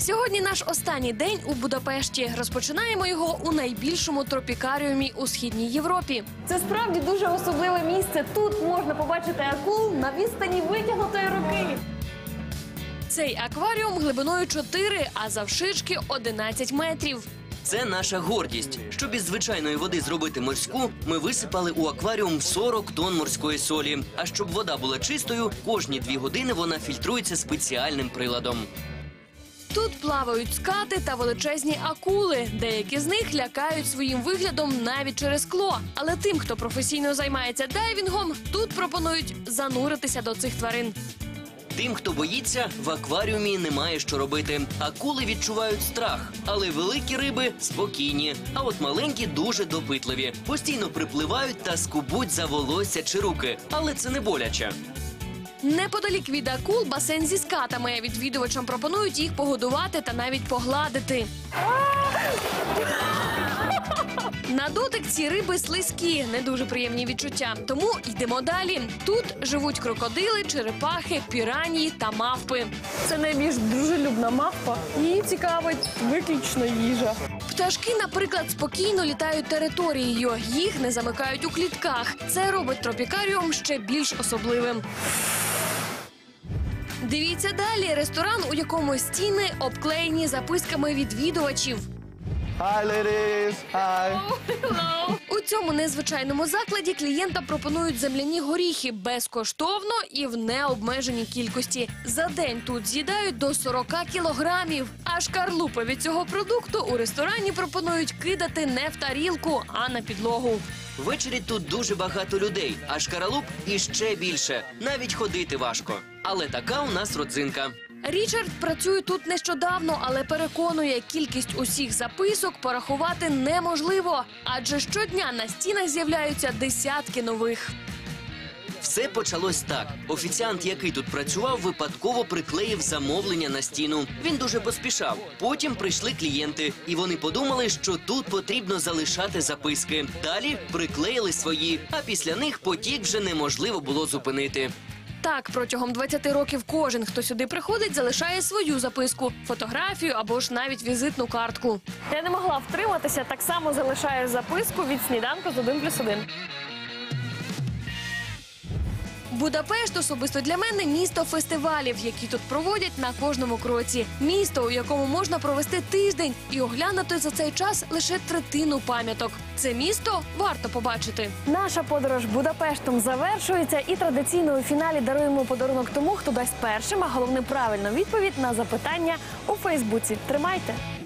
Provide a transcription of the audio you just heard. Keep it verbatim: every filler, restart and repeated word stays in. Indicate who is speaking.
Speaker 1: Сьогодні наш останній день у Будапешті. Розпочинаємо його у найбільшому тропікаріумі у Східній Європі.
Speaker 2: Це справді дуже особливе місце. Тут можна побачити акул на відстані витягнутої руки.
Speaker 1: Цей акваріум глибиною чотири, а завширшки одинадцять метрів.
Speaker 3: Це наша гордість. Щоб із звичайної води зробити морську, ми висипали у акваріум сорок тонн морської солі. А щоб вода була чистою, кожні дві години вона фільтрується спеціальним приладом.
Speaker 1: Тут плавають скати та величезні акули. Деякі з них лякають своїм виглядом навіть через скло. Але тим, хто професійно займається дайвінгом, тут пропонують зануритися до цих тварин.
Speaker 3: Тим, хто боїться, в акваріумі немає що робити. Акули відчувають страх, але великі риби спокійні. А от маленькі дуже допитливі. Постійно припливають та скубуть за волосся чи руки. Але це не боляче.
Speaker 1: Неподалік від акул басейн зі скатами. Відвідувачам пропонують їх погодувати та навіть погладити. На дотик ці риби слизькі, не дуже приємні відчуття. Тому йдемо далі. Тут живуть крокодили, черепахи, піранії та мавпи.
Speaker 2: Це найбільш дружелюбна мавпа. Її цікавить виключно їжа.
Speaker 1: Пташки, наприклад, спокійно літають територією. Їх не замикають у клітках. Це робить тропікаріум ще більш особливим. Дивіться далі. Ресторан, у якому стіни обклеєні записками відвідувачів.
Speaker 4: Hi, ladies. Hi.
Speaker 1: У цьому незвичайному закладі клієнтам пропонують земляні горіхи безкоштовно і в необмеженій кількості. За день тут з'їдають до сорока кілограмів. А шкарлупи від цього продукту у ресторані пропонують кидати не в тарілку, а на підлогу.
Speaker 3: Ввечері тут дуже багато людей, а шкаралуп іще більше. Навіть ходити важко. Але така у нас родзинка.
Speaker 1: Річард працює тут нещодавно, але переконує, кількість усіх записок порахувати неможливо. Адже щодня на стінах з'являються десятки нових.
Speaker 3: Все почалось так. Офіціант, який тут працював, випадково приклеїв замовлення на стіну. Він дуже поспішав. Потім прийшли клієнти, і вони подумали, що тут потрібно залишати записки. Далі приклеїли свої, а після них потік вже неможливо було зупинити.
Speaker 1: Так, протягом двадцяти років кожен, хто сюди приходить, залишає свою записку, фотографію або ж навіть візитну картку.
Speaker 2: Я не могла втриматися, так само залишаю записку від сніданку з один плюс один.
Speaker 1: Будапешт особисто для мене – місто фестивалів, які тут проводять на кожному кроці. Місто, у якому можна провести тиждень і оглянути за цей час лише третину пам'яток. Це місто варто побачити.
Speaker 2: Наша подорож Будапештом завершується, і традиційно у фіналі даруємо подарунок тому, хто дасть першим, а головне правильну відповідь на запитання у Фейсбуці. Тримайте!